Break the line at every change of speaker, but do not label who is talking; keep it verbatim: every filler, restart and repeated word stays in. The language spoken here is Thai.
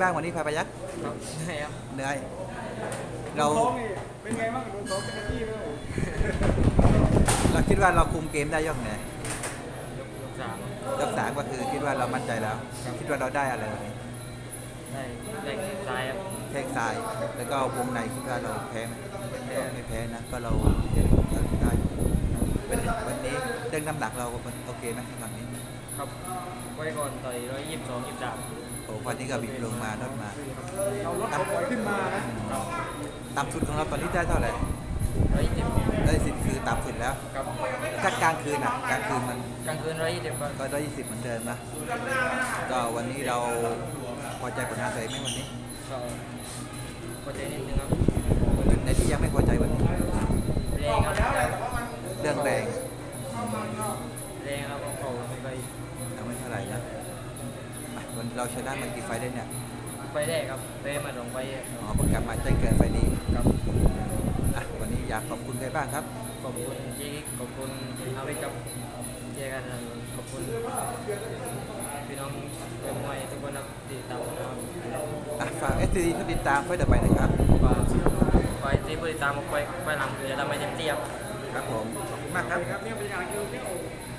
บ้างวันนี้พาไปยักษ์
ครับเหนื่อยครับ
เหนื่อยเรา
เป็นไงบ้างโดนซ้อมเป็นที่เลย
เราคิดว่าเราคุมเกมได้ยกไหน
ยกยกสาม
ยกสามก็คือคิดว่าเรามั่นใจแล้ว คิดว่าเราได้อะไรวันนี้
ได้ได้แข้งซ้ายครับ
แข้งซ้ายแล้วก็วงในคิดว่าเราแพ้ไหมก็ไม่แพ้นะก็เราได้เป็นวันนี้เรื่องน้ำหนักเราโอเคไหมครั้งนี้
ครับไว้ก่อนต่อยร้อยยี่สิบสองยี่สิบสาม
โอ้วันนี้ก็บิดลงมาลดมา
เราลดเขาปล่อยขึ้นมานะ
ต่ำสุดของเราตอนนี้ได้เท่าไหร่
ร้อยยี่สิบ
ได้สิบคือต่ำสุดแล้ว
ครับ
ถ้ากลางคืนอ่ะกลางคืนมัน
กลางคืนร้อยยี่สิบครับ
ก็ได้ยี่สิบเหมือนเดิมนะก็วันนี้เราพอใจผลงานตัวเองไหมวันนี้
ก็พอใจนิดนึงครับ
จุดไหนที่ยังไม่พอใจวันนี้
แรงครับ
เรื่องแรง
แรงครับเขาไม่ไป
ยังไม่เท่าไหร่นะอ่ะวันเราชนะมันกี่ไฟได้เนี่ย
ไปแรกครับไปมาสองไป
อ๋อเพิ่งกลับมาได้เกินไฟนี้
ครับ
อ่ะวันนี้อยากขอบคุณใครบ้างครับ
ขอบคุณเจ๊ขอบคุณอาวิกับเจกันขอบคุณพี่น้องเป็นมวยทุกคนครับที่ตามนะครับ
อ่ะฝากเอสซีดีติดตามไฟต่อไปนะครับ
ฝากไว้ที่ผู้ติดตามไปไปหลังคือจะทำให้เต็มที่ครับ
ครับผมขอบคุณมากครับ
ครับเนี่ยเป็นอย่างเดียว